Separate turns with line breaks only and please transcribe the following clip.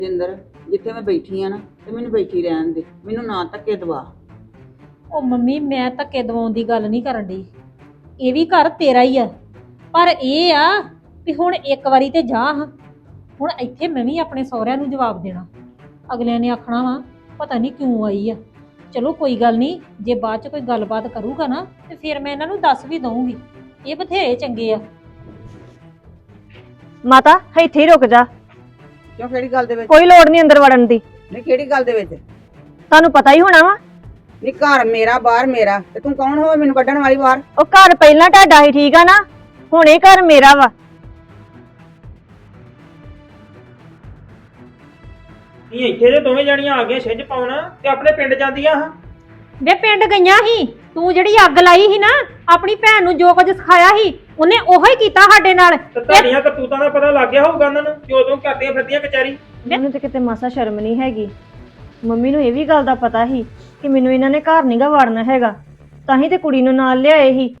ਜਿੰਦਰ, ਜਿੱਥੇ ਮੈਂ ਬੈਠੀ ਆ ਨਾ ਤੇ ਮੈਨੂੰ ਬੈਠੀ ਰਹਿਣ ਦੇ, ਮੈਨੂੰ ਨਾ ਧੱਕੇ ਦਵਾ।
ਉਹ ਮੰਮੀ ਮੈਂ ਧੱਕੇ ਦਵਾਉਣ ਦੀ ਗੱਲ ਨਹੀਂ ਕਰਨ ਡਈ। ਇਹ ਵੀ ਘਰ ਤੇਰਾ ਹੀ ਆ, ਪਰ ਇਹ ਆ ਵੀ ਹੁਣ ਇੱਕ ਵਾਰੀ ਤੇ ਜਾ ਹਾਂ। ਹੁਣ ਇੱਥੇ ਮੈਂ ਵੀ ਆਪਣੇ ਸਹੁਰਿਆਂ ਨੂੰ ਜਵਾਬ ਦੇਣਾ। ਅਗਲਿਆਂ ਨੇ ਆਖਣਾ ਵਾ ਪਤਾ ਨਹੀਂ ਕਿਉਂ ਆਈ ਆ। ਚਲੋ ਕੋਈ ਗੱਲ ਨਹੀਂ, ਜੇ ਬਾਅਦ ਚ ਕੋਈ ਗੱਲਬਾਤ ਕਰੂਗਾ ਨਾ ਤੇ ਫਿਰ ਮੈਂ ਇਹਨਾਂ ਨੂੰ ਦੱਸ ਵੀ ਦਊਂਗੀ। ਇਹ ਬਥੇਰੇ ਚੰਗੇ ਆ।
ਮਾਤਾ ਇੱਥੇ ਹੀ ਰੁਕ ਜਾ,
ਕਿਉਂ, ਕਿਹੜੀ ਗੱਲ ਦੇ ਵਿੱਚ?
ਕੋਈ ਲੋੜ ਨਹੀਂ ਅੰਦਰ ਵੜਨ ਦੀ।
ਨਹੀਂ, ਕਿਹੜੀ ਗੱਲ ਦੇ ਵਿੱਚ?
ਤੁਹਾਨੂੰ ਪਤਾ ਹੀ ਹੋਣਾ ਵਾ।
ਨਹੀਂ, ਘਰ ਮੇਰਾ ਬਾਹਰ ਮੇਰਾ, ਤੇ ਤੂੰ ਕੌਣ ਹੋ ਮੈਨੂੰ ਕੱਢਣ ਵਾਲੀ ਬਾਹਰ?
ਉਹ ਘਰ ਪਹਿਲਾਂ ਤੁਹਾਡਾ ਹੀ, ਠੀਕ ਆ ਨਾ, ਹੁਣ ਇਹ ਘਰ ਮੇਰਾ ਵਾ।
ਨਹੀਂ ਇੱਥੇ ਤੇ ਦੋਵੇਂ ਜਣੀਆਂ ਆ ਗਈਆਂ ਛਿੰਝ ਪਾਉਣਾ ਤੇ ਆਪਣੇ ਪਿੰਡ ਜਾਂਦੀਆਂ ਹਾਂ।
ਵੇ ਪਿੰਡ ਗਈਆਂ ਸੀ, ਤੂੰ ਜਿਹੜੀ ਅੱਗ ਲਾਈ ਸੀ ਨਾ ਆਪਣੀ ਭੈਣ ਨੂੰ, ਜੋ ਕੁਝ ਸਿਖਾਇਆ ਸੀ ਉਹਨੇ ਉਹੋ ਹੀ ਕੀਤਾ ਸਾਡੇ ਨਾਲ।
ਤੇ ਤੁਹਾਡੀਆਂ ਕਰਤੂਤਾਂ ਦਾ ਪਤਾ ਲੱਗ ਗਿਆ ਹੋਊਗਾ ਉਹਨਾਂ ਨੂੰ ਕਿ ਉਦੋਂ ਕਰਦੀਆਂ ਫਿਰਦੀਆਂ ਕਚਹਿਰੀ।
ਮੈਨੂੰ ਤੇ ਕਿਤੇ ਮਾਸਾ ਸ਼ਰਮ ਨਹੀਂ ਹੈਗੀ। ਮੰਮੀ ਨੂੰ ਇਹ ਵੀ ਗੱਲ ਦਾ ਪਤਾ ਸੀ ਕਿ ਮੈਨੂੰ ਇਹਨਾਂ ਨੇ ਘਰ ਨਹੀਂਗਾ ਵੜਨਾ ਹੈਗਾ, ਤਾਂ ਹੀ ਤੇ ਕੁੜੀ ਨੂੰ ਨਾਲ ਲਿਆਏ ਸੀ